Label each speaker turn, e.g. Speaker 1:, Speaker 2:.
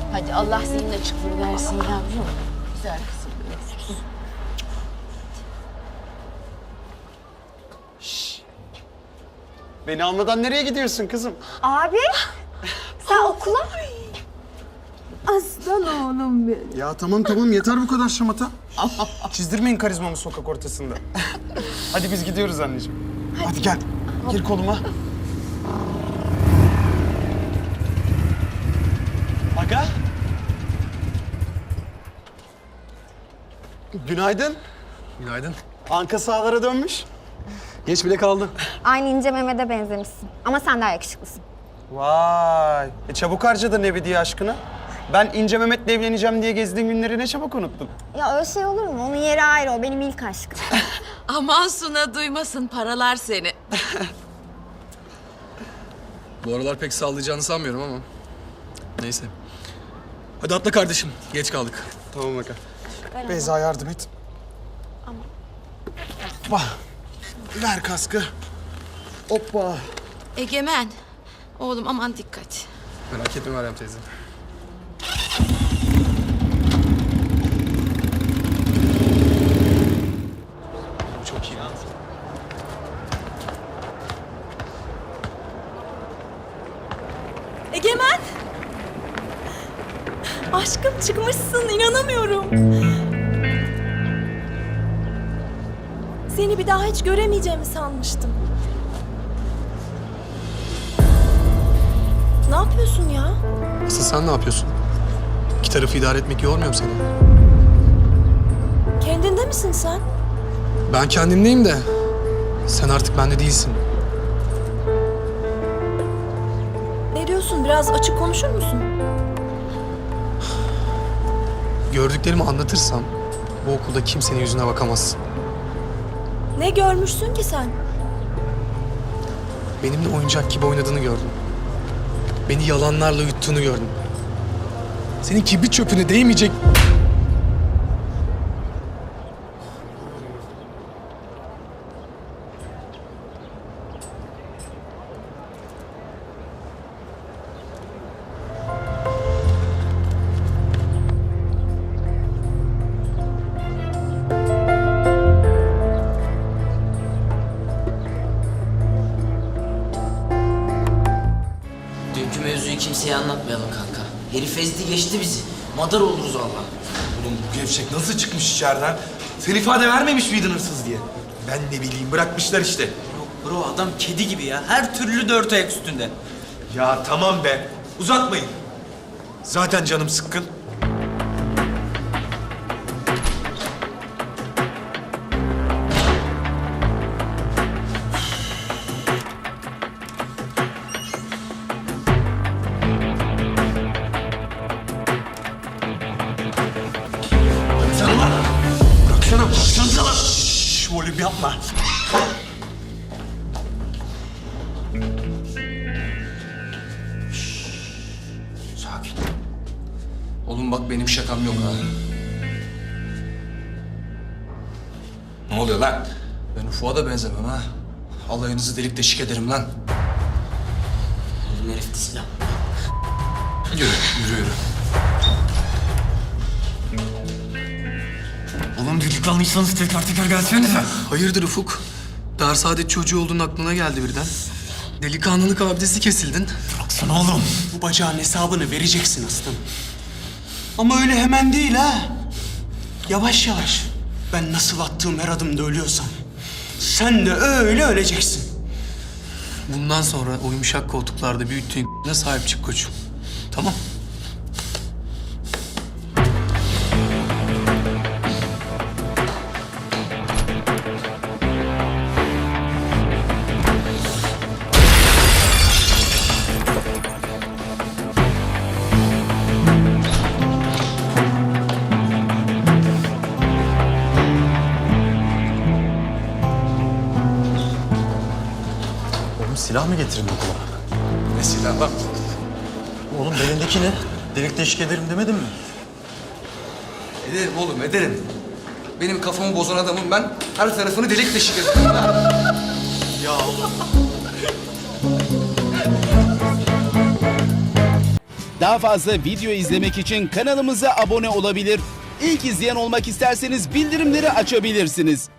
Speaker 1: Hadi Allah senin açıklığını versin yavrum. Güzel kızım.
Speaker 2: Beni almadan nereye gidiyorsun kızım?
Speaker 3: Abi, sen okula?
Speaker 1: Aslan oğlum benim.
Speaker 2: Ya tamam yeter bu kadar şamata. Çizdirmeyin karizmamı sokak ortasında. Hadi biz gidiyoruz anneciğim. Hadi gel. Gir koluma. Aga. Günaydın.
Speaker 4: Günaydın.
Speaker 2: Anka sahalara dönmüş.
Speaker 4: Geç bile kaldın.
Speaker 3: Aynı ince Mehmet'e benzemişsin. Ama sen daha yakışıklısın.
Speaker 2: Vay. Çabuk harcadın Ebedi aşkını. Ben İnce Mehmet'le evleneceğim diye gezdiğin günleri ne çabuk unuttun.
Speaker 3: Ya öyle şey olur mu? Onun yeri ayrı, o benim ilk aşkım.
Speaker 1: Aman Suna duymasın, paralar seni.
Speaker 4: Bu aralar pek sallayacağını sanmıyorum ama. Neyse. Hadi atla kardeşim. Geç kaldık.
Speaker 2: Tamam Aga. Beyza yardım et. Hoppa. Ver kaskı. Hoppa.
Speaker 1: Egemen, oğlum aman dikkat.
Speaker 4: Merak etme Meryem teyze. Bu çok iyi.
Speaker 5: Egemen! Aşkım çıkmışsın, inanamıyorum. Seni bir daha hiç göremeyeceğimi sanmıştım. Ne yapıyorsun ya?
Speaker 4: Asıl sen ne yapıyorsun? İki tarafı idare etmek yormuyor mu seni?
Speaker 5: Kendinde misin sen?
Speaker 4: Ben kendimdeyim de sen artık bende değilsin.
Speaker 5: Ne diyorsun? Biraz açık konuşur musun?
Speaker 4: Gördüklerimi anlatırsam bu okulda kimsenin yüzüne bakamazsın.
Speaker 5: Ne görmüşsün ki sen?
Speaker 4: Benimle oyuncak gibi oynadığını gördüm. Beni yalanlarla yuttuğunu gördüm. Senin kibrit çöpüne değmeyecek...
Speaker 6: Dünkü mevzuyu kimseye anlatmayalım kanka. Herif ezdi geçti bizi. Madar oluruz valla.
Speaker 7: Oğlum bu gevşek nasıl çıkmış içeriden? Sen ifade vermemiş miydin hırsız diye? Ben ne bileyim bırakmışlar işte.
Speaker 6: Bro adam kedi gibi ya. Her türlü dört ayak üstünde.
Speaker 7: Ya tamam be. Uzatmayın. Zaten canım sıkkın. Sen lan! Bıraksanıza lan! Şşş, volüm yapma.
Speaker 4: Sakin. Oğlum bak benim şakam yok ha.
Speaker 7: Ne oluyor lan?
Speaker 4: Ben Ufuk'a da benzemem ha. Alayınızı delik deşik ederim lan.
Speaker 6: Elin herifte silah.
Speaker 4: Yürü.
Speaker 7: Oğlum düdüklanlıysanız tekrar gelsenize.
Speaker 4: Hayırdır Ufuk? Dar saadet çocuğu olduğun aklına geldi birden. Delikanlılık abidesi kesildin.
Speaker 7: Baksana oğlum. Bu bacağın hesabını vereceksin aslanım. Ama öyle hemen değil ha. Yavaş yavaş. Ben nasıl attığım her adımda ölüyorsam sen de öyle öleceksin.
Speaker 4: Bundan sonra o yumuşak koltuklarda büyüttüğün ne sahip çık koçum. Tamam.
Speaker 8: Silah mı getirdin okula?
Speaker 4: Ne silah lan?
Speaker 8: Oğlum belindeki ne? Delik deşik ederim demedin mi?
Speaker 4: Ederim oğlum ederim. Benim kafamı bozan adamım ben. Her tarafını delik deşik ederim.
Speaker 8: Ya oğlum.
Speaker 9: Daha fazla video izlemek için kanalımıza abone olabilir. İlk izleyen olmak isterseniz bildirimleri açabilirsiniz.